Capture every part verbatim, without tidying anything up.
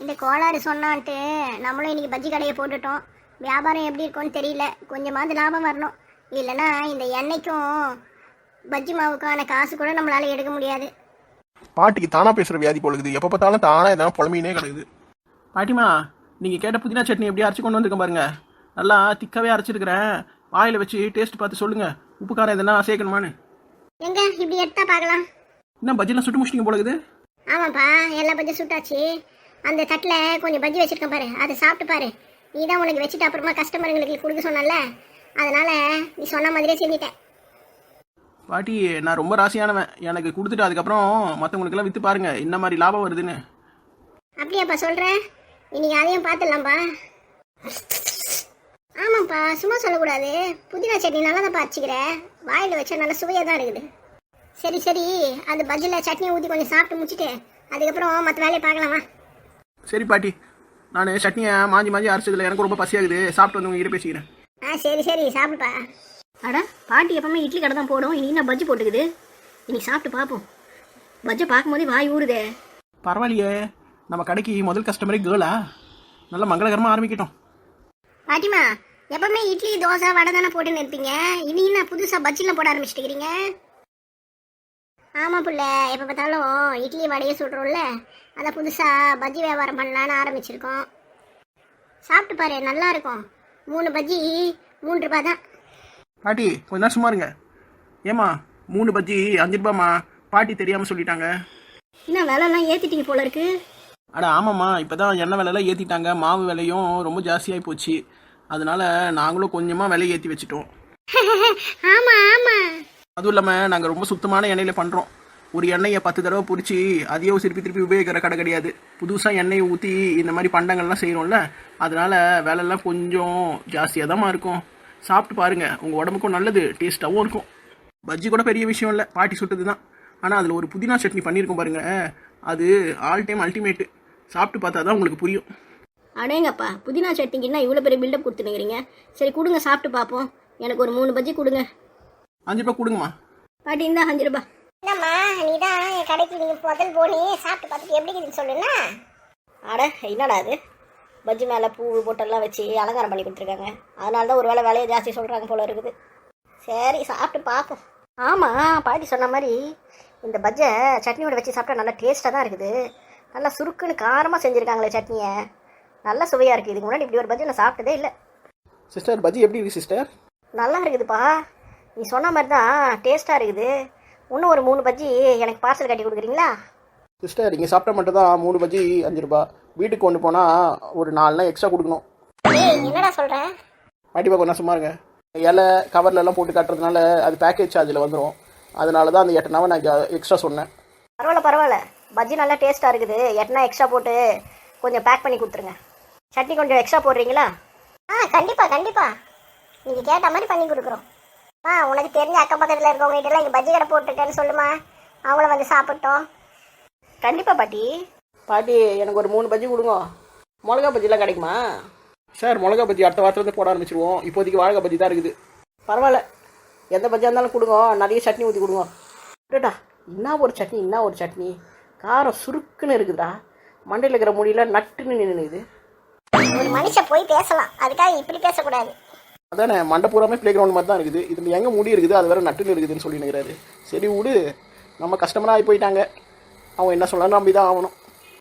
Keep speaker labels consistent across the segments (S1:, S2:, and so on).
S1: இந்த கோளாறு சொன்னான்ட்டு நம்மளும் இன்னைக்கு பஜ்ஜி கடையை போட்டுட்டோம். வியாபாரம் எப்படி இருக்கும்னு தெரியல. கொஞ்சமாவது லாபம் வரணும். இல்லைன்னா இந்த எண்ணெய்க்கும் பஜ்ஜி மாவுக்கான காசு கூட நம்மளால எடுக்க முடியாது.
S2: பாட்டிக்கு தானா பேசுற வியாதி போலுக்குது. எப்போ பார்த்தாலும் தானா எதனா புலமையினே கிடக்குது. பாட்டிமா, நீங்க கேட்ட புதினா சட்னி எப்படி அரைச்சி கொண்டு வந்திருக்கேன் பாருங்க. நல்லா திக்காவே அரைச்சிருக்கிறேன். வாயில வச்சு டேஸ்ட் பார்த்து சொல்லுங்க, உப்பு காரம் எதனா சேர்க்கணுமான்னு.
S1: எங்க இப்படி எடுத்தா பார்க்கலாம்.
S2: என்ன பஜ்ஜிலாம் சுட்டு முடிச்சிங்க போலுக்குது?
S1: ஆமாப்பா, எல்லா பஜ்ஜி சுட்டாச்சு. அந்த தட்டில் கொஞ்சம் பஜ்ஜி வச்சிருக்கேன் பாரு, அதை சாப்பிட்டு பாரு. நீ தான் உனக்கு வச்சுட்டு அப்புறமா கஸ்டமருங்களுக்கு கொடுக்க சொன்னல, அதனால நீ சொன்ன மாதிரியே செஞ்சிட்டேன்.
S2: பாட்டி, நான் ரொம்ப ராசியானவன். எனக்கு கொடுத்துட்டு அதுக்கப்புறம் மற்றவங்களுக்கெல்லாம் விற்று பாருங்க என்ன மாதிரி லாபம் வருதுன்னு.
S1: அப்படியாப்பா சொல்ற? இன்னைக்கு அதையும் பார்த்துடலாம்ப்பா. ஆமாப்பா, சும்மா சொல்லக்கூடாது. புதினா சட்னி நல்லா தான் அரைச்சிக்கிற. வாயில் வச்சா நல்ல சுவையாக தான் இருக்குது. சரி சரி, அந்த பஜ்ஜியில் சட்னி ஊற்றி கொஞ்சம் சாப்பிட்டு முடிச்சுட்டு அதுக்கப்புறம் மற்ற வேலையை பார்க்கலாமா?
S2: சரி பாட்டி, நான் சட்னியை மாஞ்சி மாஞ்சி அரைச்சதில்ல, எனக்கு ரொம்ப பசியாகுது. சாப்பிட்டு வந்து உங்ககிட்ட பேசிக்கிறேன்.
S1: ஆ சரி சரி, சாப்பிடுப்பா. அட, பாட்டி எப்பவுமே இட்லி கடை தான் போடும். இன்னைக்கு நான் பஜ்ஜி போட்டுக்குது. இன்னைக்கு சாப்பிட்டு பார்ப்போம். பஜ்ஜை பார்க்கும்போதே வாய் ஊறுதே.
S2: பரவாயில்லையே, நம்ம கடைக்கு முதல் கஸ்டமரே கேர்ளா? நல்லா மங்களகரமாக ஆரம்பிக்கட்டும்.
S1: பாட்டிமா, எப்பவுமே இட்லி தோசை வடை தானே போட்டு நிற்பீங்க. இன்னைக்கு நான் புதுசாக பஜ்ஜிலாம் போட ஆரம்பிச்சிட்டுக்கிறீங்க. ஆமாம் புள்ள, எப்போ பார்த்தாலும் இட்லி வடையை சுடுறோம்ல, அதை புதுசாக பஜ்ஜி வியாபாரம் பண்ணலான்னு ஆரம்பிச்சிருக்கோம். சாப்பிட்டு பாரு, நல்லா இருக்கும். மூணு பஜ்ஜி மூன்று ரூபா தான்.
S2: பாட்டி கொஞ்ச நேரம் சும்மா இருங்க. ஏமா, மூணு பஜ்ஜி அஞ்சு ரூபாம்மா. பாட்டி தெரியாமல் சொல்லிட்டாங்க.
S1: இன்னும் விலைலாம் ஏற்றிட்டீங்க போல இருக்கு.
S2: அட ஆமாம்மா, இப்போ தான் எண்ணெய் விலையெல்லாம் ஏற்றிட்டாங்க. மாவு விலையும் ரொம்ப ஜாஸ்தியாகி போச்சு. அதனால நாங்களும் கொஞ்சமாக விலை ஏற்றி வச்சுட்டோம்.
S1: ஆமாம் ஆமாம்.
S2: அதுவும் இல்லாமல் நாங்கள் ரொம்ப சுத்தமான எண்ணெயில் பண்ணுறோம். ஒரு எண்ணெயை பத்து தடவை பிடிச்சி அதையோ திருப்பி திருப்பி உபயோகிக்கிற கடை கிடையாது. புதுசாக எண்ணெயை ஊற்றி இந்த மாதிரி பண்டங்கள்லாம் செய்கிறோம்ல, அதனால் விலைலாம் கொஞ்சம் ஜாஸ்தியாக தான் இருக்கும். சாப்பிட்டு பாருங்கள், உங்கள் உடம்புக்கும் நல்லது, டேஸ்ட்டாகவும் இருக்கும். பஜ்ஜி கூட பெரிய விஷயம் இல்லை, பாட்டி சுட்டது தான். ஆனால் அதில் ஒரு புதினா சட்னி பண்ணியிருக்கோம் பாருங்கள், அது ஆல் டைம் அல்டிமேட்டு. சாப்பிட்டு பார்த்தா தான் உங்களுக்கு புரியும்.
S1: அடேங்கப்பா, புதினா சட்னிக்குன்னா இவ்வளோ பெரிய பில்டப் கொடுத்துனுங்கிறீங்க. சரி கொடுங்க, சாப்பிட்டு பார்ப்போம். எனக்கு ஒரு மூணு பஜ்ஜி கொடுங்க.
S2: அஞ்சு ரூபா கொடுங்கம்மா.
S1: பாட்டி இருந்தா அஞ்சு ரூபா. என்னம்மா, நீ தான் என் கடைக்கு நீங்கள் முதல் போனி சாப்பிட்டு பார்த்துட்டு எப்படி இருக்குன்னு சொல்லுண்ணா. அட என்னடா அது, பஜ்ஜி மேலே பூ போட்டெல்லாம் வச்சு அலங்காரம் பண்ணி கொடுத்துருக்காங்க. அதனால தான் ஒரு வேளை விலையை ஜாஸ்தி சொல்கிறாங்க போல இருக்குது. சரி சாப்பிட்டு பார்ப்போம். ஆமாம், பாட்டி சொன்ன மாதிரி இந்த பஜ்ஜை சட்னியோட வச்சு சாப்பிட்டா நல்லா டேஸ்ட்டாக தான் இருக்குது. நல்லா சுருக்குன்னு காரமாக செஞ்சுருக்காங்களே சட்னியை, நல்லா சுவையாக இருக்குது. இதுக்கு முன்னாடி இப்படி ஒரு பஜ்ஜி நான் சாப்பிட்டதே இல்லை.
S2: சிஸ்டர், பஜ்ஜி எப்படி இருக்குது சிஸ்டர்?
S1: நல்லா இருக்குதுப்பா, நீ சொன்ன மாதிரி தான் டேஸ்ட்டாக இருக்குது. இன்னும் ஒரு மூணு பஜ்ஜி எனக்கு பார்சல் கட்டி கொடுக்குறீங்களா?
S2: சிஸ்டர், இங்கே சாப்பிட்டா மட்டும் தான் மூணு பஜ்ஜி அஞ்சு ரூபா. வீட்டுக்கு கொண்டு போனால் ஒரு நாலுனா எக்ஸ்ட்ரா கொடுக்கணும்.
S1: ஏய், என்னடா சொல்கிறேன்?
S2: பாட்டி கொஞ்சம் சும்மா இருங்க. இலை கவர்லெல்லாம் போட்டு காட்டுறதுனால அது பேக்கேஜ் சார்ஜில் வந்துடும். அதனால தான் அந்த எட்டுனாவை நான் எக்ஸ்ட்ரா சொன்னேன்.
S1: பரவாயில்ல பரவாயில்ல, பஜ்ஜி நல்லா டேஸ்ட்டாக இருக்குது. எட்டுனா எக்ஸ்ட்ரா போட்டு கொஞ்சம் பேக் பண்ணி கொடுத்துருங்க. சட்னி கொஞ்சம் எக்ஸ்ட்ரா போடுறீங்களா? ஆ கண்டிப்பாக கண்டிப்பாக, நீங்கள் கேட்ட மாதிரி பண்ணி கொடுக்குறோம். ஆ, உனக்கு தெரிஞ்ச அக்கம் பக்கத்தில் இருக்கவங்ககிட்டலாம் இங்கே பஜ்ஜி கடை போட்டுட்டேன்னு சொல்லுமா, அவங்கள வந்து சாப்பிட்டோம். கண்டிப்பாக பாட்டி.
S2: பாட்டி, எனக்கு ஒரு மூணு பஜ்ஜி கொடுங்க. மிளகா பஜ்ஜிலாம் கிடைக்குமா? சார், மிளகா பஜ்ஜி அடுத்த வாரத்துலேருந்து போட ஆரம்பிச்சிருவோம். இப்போதைக்கு வாழகா பஜ்ஜி தான் இருக்குது. பரவாயில்ல, எந்த பஜ்ஜியாக இருந்தாலும் கொடுங்க, நிறைய சட்னி ஊற்றி கொடுங்க. டா, என்ன ஒரு சட்னி, என்ன ஒரு சட்னி, காரம் சுருக்குன்னு இருக்குதுடா. மண்டையில் இருக்கிற முடியல நட்டுன்னு நின்றுது.
S1: ஒரு மனுஷன் போய் பேசலாம், அதுக்காக இப்படி பேசக்கூடாது.
S2: அதானே, மண்டை பூராமே பிளே கிரவுண்ட் மாதிரி தான் இருக்குது. இதில் எங்கே முடி இருக்குது, அது வேறு நட்டுன்னு இருக்குதுன்னு சொல்லி நிற்கிறாரு. சரி விடு, நம்ம கஸ்டமராக ஆகி போயிட்டாங்க. அவங்க என்ன சொல்லணும், நம்பி தான் ஆகணும்.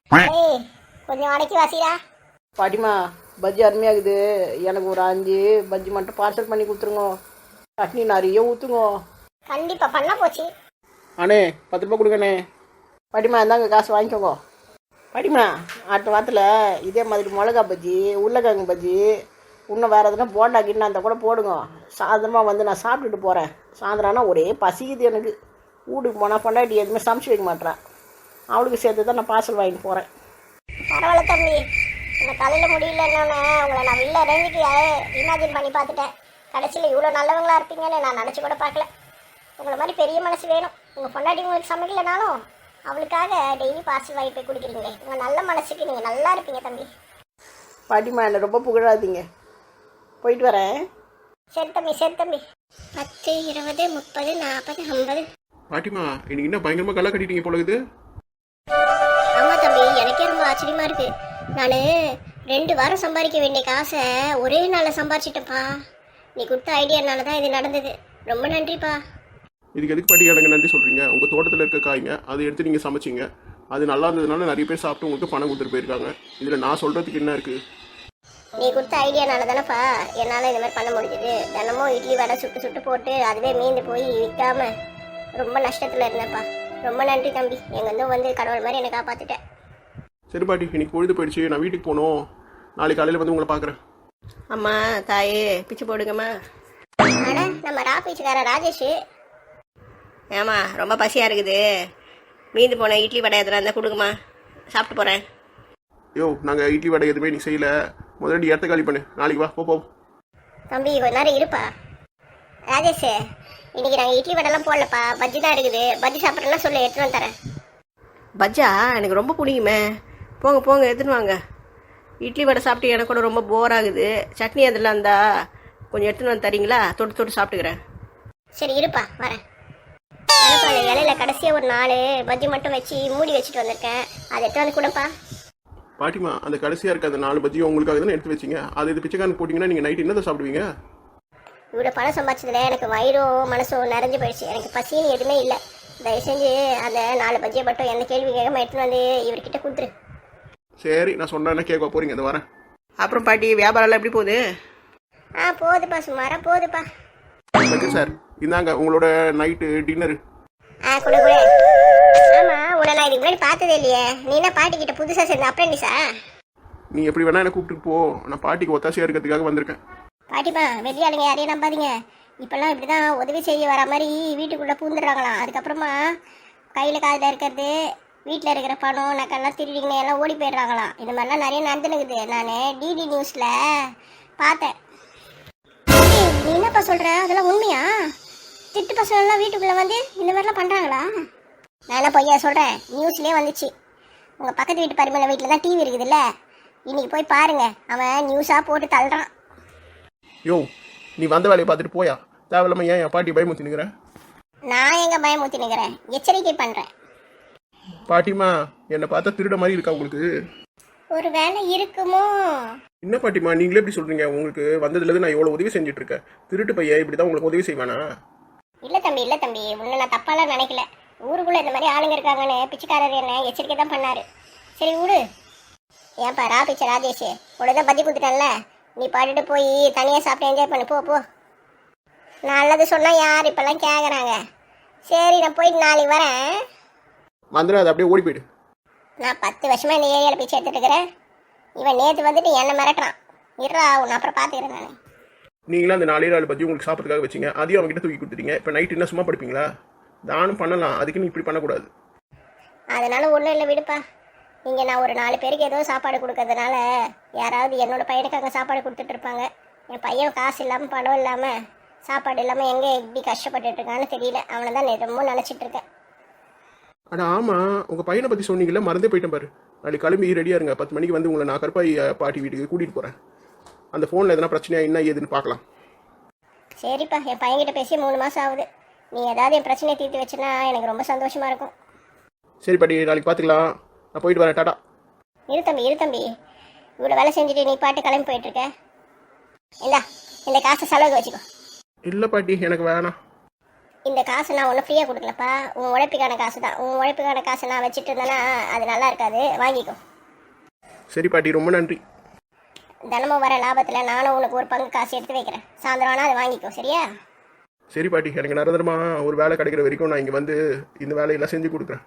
S1: கொஞ்சம் அடக்கி வாசிடா.
S2: பாட்டிமா, பஜ்ஜி அருமையாகுது. எனக்கு ஒரு அஞ்சு பஜ்ஜி மட்டும் பார்சல் பண்ணி கொடுத்துருங்க. சட்னி நிறைய ஊற்றுங்க.
S1: கண்டிப்பாக பண்ண போச்சு.
S2: அண்ணே, பத்து ரூபா கொடுங்கண்ணே. பாட்டிமா, இந்தாங்க காசு வாங்கிக்கோங்க. பாட்டிமா, அடுத்த வாரத்தில் இதே மாதிரி மிளகா பஜ்ஜி, உருளைக்கிழங்கு பஜ்ஜி, இன்னும் வேறு எதுனா போண்டா கிண்ணா அந்த கூட போடுங்க. சாயந்தரமாக வந்து நான் சாப்பிட்டுட்டு போகிறேன். சாயந்தரம்னா ஒரே பசிக்குது எனக்கு. வீட்டுக்கு போனால் பொண்டாட்டி எதுவுமே சமைச்சு வைக்க மாட்டேறேன். அவளுக்கு சேர்த்து தான் நான் பார்சல் வாங்கிட்டு போகிறேன்.
S1: பரவாயில்ல தம்பி, இந்த தலையில் முடியலன்னு உங்களை நான் வெளில ரேஞ்சுக்கு இமேஜின் பண்ணி பார்த்துட்டேன். கடைசியில் இவ்வளோ நல்லவங்களா இருப்பீங்கன்னு நான் நினச்சி கூட பார்க்கல. உங்களை மாதிரி பெரிய மனசு வேணும். உங்கள் பொண்டாட்டி உங்களுக்கு சமைக்கலனாலும் அவளுக்காக டெய்லி பார்சல் வாங்கி போய் குடிக்கிறீங்களே, உங்கள் நல்ல மனசுக்கு நீங்கள் நல்லா இருப்பீங்க தம்பி.
S2: பாட்டிமா, என்னை ரொம்ப புகழாதீங்க. போயிட்டு வரேன்.
S1: சரி தம்பி, சரி தம்பி. பத்து இருபது முப்பது நாற்பது ஐம்பது.
S2: பாட்டிமா, இன்னைக்கு என்ன பயங்கரமாக கலை கட்டிட்டீங்க போல இருக்குது.
S1: ஆமாம் தம்பி, எனக்கே ரொம்ப ஆச்சரியமா இருக்கு. நான் ரெண்டு வாரம் சம்பாதிக்க வேண்டிய காசை ஒரே நாளில் சம்பாரிச்சிட்டேன்ப்பா. நீ கொடுத்த ஐடியானால தான் இது நடந்தது. ரொம்ப நன்றிப்பா.
S2: இதுக்கு எதுக்கு பாட்டி எனக்கு நன்றி சொல்கிறீங்க? உங்கள் தோட்டத்தில் இருக்க காய்ங்க அதை எடுத்து நீங்கள் சமைச்சிங்க, அது நல்லா இருந்ததுனால நிறைய பேர் சாப்பிட்டு உங்களுக்கு பணம் கொடுத்துட்டு போயிருக்காங்க. இதில் நான் சொல்கிறதுக்கு என்ன இருக்குது?
S1: நீ கொடுத்த ஐடியானால தானேப்பா என்னால் இந்த மாதிரி பண்ண முடிஞ்சுது. தினமும் இட்லி வடை சுட்டு சுட்டு போட்டு அதுவே மீந்து போய் விற்காம ரொம்ப நஷ்டத்தில் இருந்தேன்ப்பா. ரொம்ப நன்றி தம்பி. எங்கேருந்தும் வந்து கடவுள் மாதிரி என்னை காப்பாற்றிட்டேன்.
S2: சரி பாட்டி, இன்னைக்கு பொழுது போயிடுச்சு, நான் வீட்டுக்கு போகணும். நாளைக்கு காலையில் வந்து உங்களை பார்க்குறேன்.
S3: அம்மா தாயே பிச்சு போடுங்கம்மா.
S1: அட நம்ம ரா பீச்சுக்கார ராஜேஷ்.
S3: ஏம்மா ரொம்ப பசியாக இருக்குது, மீந்து போன இட்லி வடை எதுனா இருந்தால் கொடுங்கம்மா, சாப்பிட்டு போகிறேன்.
S2: யோ, நாங்கள் இட்லி வடை எதுவுமே நீ செய்யலை. முதல்ல இடத்த காலி பண்ணு, நாளைக்கு வா. போ போ
S1: தம்பி கொஞ்ச நேரம் இருப்பா. ராஜேஷ், இன்னைக்கு நாங்கள் இட்லி வடைலாம் போடலப்பா, பஜ்ஜி தான் இருக்குது. பஜ்ஜி சாப்பிட்றலாம் சொல்லு, எடுத்துன்னு வந்து தரேன்.
S3: பஜ்ஜா எனக்கு ரொம்ப பிடிக்குமே. போங்க போங்க எடுத்துன்னு வாங்க. இட்லி வடை சாப்பிட்டு எனக்கு கூட ரொம்ப போர் ஆகுது. சட்னி அதெல்லாம் இருந்தா கொஞ்சம் எடுத்துன்னு வந்து தரீங்களா? தொட்டு தொட்டு சாப்பிட்டுக்கிறேன்.
S1: சரி இருப்பா, வரேன். எனப்பா அந்த இலையில கடைசியாக ஒரு நாலு பஜ்ஜி மட்டும் வச்சு மூடி வச்சுட்டு வந்திருக்கேன், அதை எடுத்து வந்து கொடுப்பா.
S2: பாட்டிமா, அந்த கடைசியாக இருக்க அந்த நாலு பஜ்ஜியும் உங்களுக்காக தானே எடுத்து வச்சிங்க. அது இது பிச்சைக்காரன் போட்டிங்கன்னா நீங்கள் நைட்டு என்னதை சாப்பிடுவீங்க?
S1: இவ்வளோ பணம் சம்பாதிச்சதுல எனக்கு வயிறும் மனசும் நிறைஞ்சு போயிடுச்சு. எனக்கு பசின்னு எதுவுமே இல்லை. தயவு செஞ்சு அந்த நாலு பஜ்ஜியை மட்டும் எந்த கேள்வி கேட்காம எடுத்துன்னு வந்து இவர்கிட்ட கொடுத்துரு.
S2: சரி, நான் சொன்னேன்னா கேட்க போகிறீங்க, அதை வரேன்.
S3: அப்புறம் பாட்டி வியாபாரம்லாம் எப்படி போகுது?
S1: ஆ போதுப்பா, சுமாரா போதுப்பா.
S2: ஓகே சார், இந்தாங்க உங்களோட நைட்டு டின்னரு.
S1: ஆ கொடு கொடு. ஆமாம், உன்னை நான் இதுக்கு முன்னாடி பார்த்ததே இல்லையே. நீ என்ன பாட்டிக்கிட்ட புதுசாக சேர்ந்த அப்ரெண்டிஸா?
S2: நீ எப்படி வேணா என்னை கூப்பிட்டு போ, நான் பாட்டிக்கு ஒத்தாசையாக இருக்கிறதுக்காக வந்திருக்கேன்.
S1: பாட்டிப்பா, வெளியாளுங்க யாரையும் நம்பாதீங்க. இப்போல்லாம் இப்படி தான் உதவி செய்ய வர மாதிரி வீட்டுக்குள்ளே பூந்துடுறாங்களாம். அதுக்கப்புறமா கையில் காதில் இருக்கிறது, வீட்டில் இருக்கிற பணம் நக்கெல்லாம் திருடிங்கன்னு எல்லாம் ஓடி போயிடுறாங்களாம். இந்த மாதிரிலாம் நிறைய நடந்துனுக்குது. நான் டிடி நியூஸில் பார்த்தேன். ஏய், நீ என்னப்பா சொல்கிற? அதெல்லாம் உண்மையா? திட்டு பசங்கள்லாம் வீட்டுக்குள்ளே வந்து இந்த மாதிரிலாம் பண்ணுறாங்களா? நான் என்ன பொய்யா சொல்கிறேன்? நியூஸ்லேயே வந்துச்சு. உங்கள் பக்கத்து வீட்டு பரிமள வீட்டில் தான் டிவி இருக்குதுல்ல, இன்னைக்கு போய் பாருங்க. அவன் நியூஸாக போட்டு தள்ளுறான்.
S2: யோ, நீ வந்த வேலையை பார்த்துட்டு போயா. தேவையில்லாம ஏன் என் பாட்டி பயமுத்தி நிற்கிறேன்?
S1: நான் எங்க பயமுத்தி நிற்கிறேன்? எச்சரிக்கை பண்ணுறேன்.
S2: பாட்டிமா, என்னை பார்த்தா திருட மாதிரி இருக்கா உங்களுக்கு?
S1: ஒரு வேலை இருக்குமோ?
S2: என்ன பாட்டிமா நீங்களே எப்படி சொல்றீங்க? உங்களுக்கு வந்ததுலேருந்து நான் எவ்வளோ உதவி செஞ்சுட்டு இருக்கேன். திருட்டு பையன் இப்படி தான் உங்களுக்கு உதவி செய்வானா?
S1: இல்லை தம்பி, இல்லை தம்பி, உன்னை நான் தப்பாலாம் நினைக்கல. ஊருக்குள்ளே இந்த மாதிரி ஆளுங்க இருக்காங்கன்னு பிச்சைக்காரர் என்ன எச்சரிக்கை தான் பண்ணாரு. சரி விடு. ஏன்பா ரா பிச்சை ராஜேஷ், உடனே தான் பத்தி கொடுத்துட்டேன்ல, நீ பாட்டுட்டு போய் தனியாக சாப்பிட்டு என்ஜாய் பண்ணு. போ போ. நல்லது சொன்னால் யார் இப்போல்லாம் கேட்குறாங்க. சரி, நான் போயிட்டு நாளைக்கு வரேன்.
S2: வந்துடும், அது அப்படியே ஓடி போயிடு.
S1: நான் பத்து வருஷமாக இந்த ஏரியாவில் பிச்சை எடுத்துட்டு இருக்கிறேன். இவன் நேற்று வந்துட்டு என்னை மிரட்டுறான். இருறா, உன்னை அப்புறம் பார்த்துக்கிறேன் நான்.
S2: நீங்களும் அந்த நாலே நாலு பற்றி உங்களுக்கு சாப்பிட்றதுக்காக வச்சிங்க, அதையும் அவங்ககிட்ட தூக்கி கொடுத்துட்டீங்க. இப்போ நைட் என்ன சும்மா படுப்பீங்களா? தானும் பண்ணலாம், அதுக்கு நீ இப்படி பண்ணக்கூடாது.
S1: அதனால ஒன்றும் இல்லை, விடுப்பா. இங்கே நான் ஒரு நாலு பேருக்கு ஏதோ சாப்பாடு கொடுக்கறதுனால யாராவது என்னோட பையனுக்கு அங்கே சாப்பாடு கொடுத்துட்டு இருப்பாங்க. என் பையன் காசு இல்லாமல் பணம் இல்லாமல் சாப்பாடு இல்லாமல் எங்கே எப்படி கஷ்டப்பட்டுட்டு இருக்கான்னு தெரியல. அவனை தான் நான் ரொம்ப நினச்சிட்டு இருக்கேன்.
S2: அட ஆமாம், உங்கள் பையனை பற்றி சொன்னீங்கல்ல, மறந்தே போயிட்டேன் பாரு. நாளைக்கு கிளம்பி ரெடியாக இருங்க. பத்து மணிக்கு வந்து உங்களை நான் கருப்பாய் பாட்டி வீட்டுக்கு கூட்டிகிட்டு போகிறேன். அந்த ஃபோனில் எதனா பிரச்சனையா என்ன ஏதுன்னு பார்க்கலாம்.
S1: சரிப்பா, என் பையன்கிட்ட பேசி மூணு மாதம் ஆகுது. நீ ஏதாவது என் பிரச்சனையை தீர்த்து வச்சுன்னா எனக்கு ரொம்ப சந்தோஷமாக இருக்கும்.
S2: சரி பாட்டி, நாளைக்கு பார்த்துக்கலாம். நான் போயிட்டு வரேன். டாடா.
S1: இரு தம்பி, இரு தம்பி, இவ்வளோ வேலை செஞ்சுட்டு நீ பாட்டு கிளம்பி போயிட்டுருக்க. இந்தா, இந்த காசை செலவுக்கு வச்சுக்கோ.
S2: இல்லை பாட்டி, எனக்கு வேணாம்.
S1: இந்த காசு நான் ஒன்றும் ஃப்ரீயாக கொடுக்கலப்பா, உன் உழைப்புக்கான காசு தான். உன் உழைப்புக்கான காசை நான் வச்சுட்டு இருந்தேன்னா அது நல்லா இருக்காது, வாங்கிக்கோ.
S2: சரி பாட்டி, ரொம்ப நன்றி.
S1: தினமும் வர லாபத்தில் நானும் உனக்கு ஒரு பங்கு காசு எடுத்து வைக்கிறேன். சாயந்தரம் ஆனால் அதை வாங்கிக்கோ, சரியா?
S2: சரி பாட்டி, எனக்கு நிரந்தரமாக ஒரு வேலை கிடைக்கிற வரைக்கும் நான் இங்கே வந்து இந்த வேலையெல்லாம் செஞ்சு கொடுக்குறேன்.